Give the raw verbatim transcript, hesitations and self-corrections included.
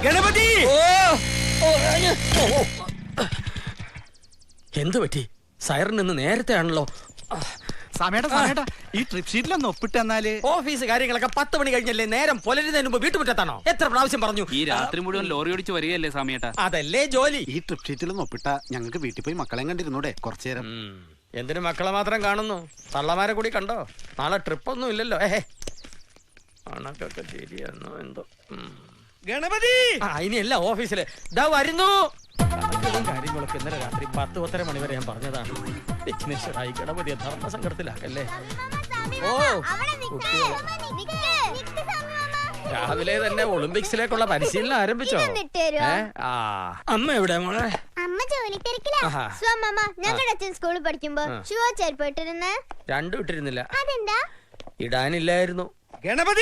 ഗണപതി! എന്തു പറ്റി? സൈറൻ നിന്ന് നേരത്തെ ആണല്ലോ. സമയട്ടാ സമയട്ടാ ഈ ട്രിപ്പ് ഷീറ്റിലൊന്ന് ഒപ്പിട്ട് തന്നാല്. ഓഫീസ് കാര്യങ്ങളൊക്കെ പത്ത് മണി കഴിഞ്ഞല്ലേ? നേരം പുലരുന്നതിന് മുമ്പ് വീട്ടുമുറ്റത്താണോ? എത്ര പ്രാവശ്യം പറഞ്ഞു? ഈ രാത്രി മുഴുവൻ ലോറി ഓടിച്ച് വരികയല്ലേ സമയട്ടാ? അതല്ലേ ജോലി. ഈ ട്രിപ്പ് ഷീറ്റിലൊന്ന് ഒപ്പിട്ട ഞങ്ങൾക്ക് വീട്ടിൽ പോയി മക്കളെ കണ്ടിരുന്നൂടെ കുറച്ചു നേരം? എന്തിനു മക്കളെ മാത്രം കാണുന്നു? തള്ളമാരെ കൂടി കണ്ടോ? നാളെ ട്രിപ്പ് ഒന്നും ഇല്ലല്ലോ. ഏഹേ കണക്കൊക്കെ ശരിയാണോ എന്തോ. ഗണപതി ഇനിയല്ല ഓഫീസില് ഇതാ വരുന്നു. കാര്യങ്ങളൊക്കെ ഇന്നലെ രാത്രി പത്ത് പത്തര മണി വരെ ഞാൻ പറഞ്ഞതാണ്. വിഘ്നേശ്വരായി ഗണപതിയെ ധർമ്മസങ്കടത്തിലാക്കല്ലേ. ഓ രാവിലെ തന്നെ ഒളിമ്പിക്സിലേക്കുള്ള പരിശീലനം ആരംഭിച്ചോ? അമ്മ എവിടെ മോളെ? അമ്മ ജോലി തിരക്കിലാ. ഞങ്ങളുടെ അച്ഛൻ സ്കൂളിൽ പഠിക്കുമ്പോ ഷൂ ചെരുപ്പ് ഇട്ടിരുന്ന് രണ്ടും ഇട്ടിരുന്നില്ല. അതെന്താ? ഇടാനില്ലായിരുന്നു. ഗണപതി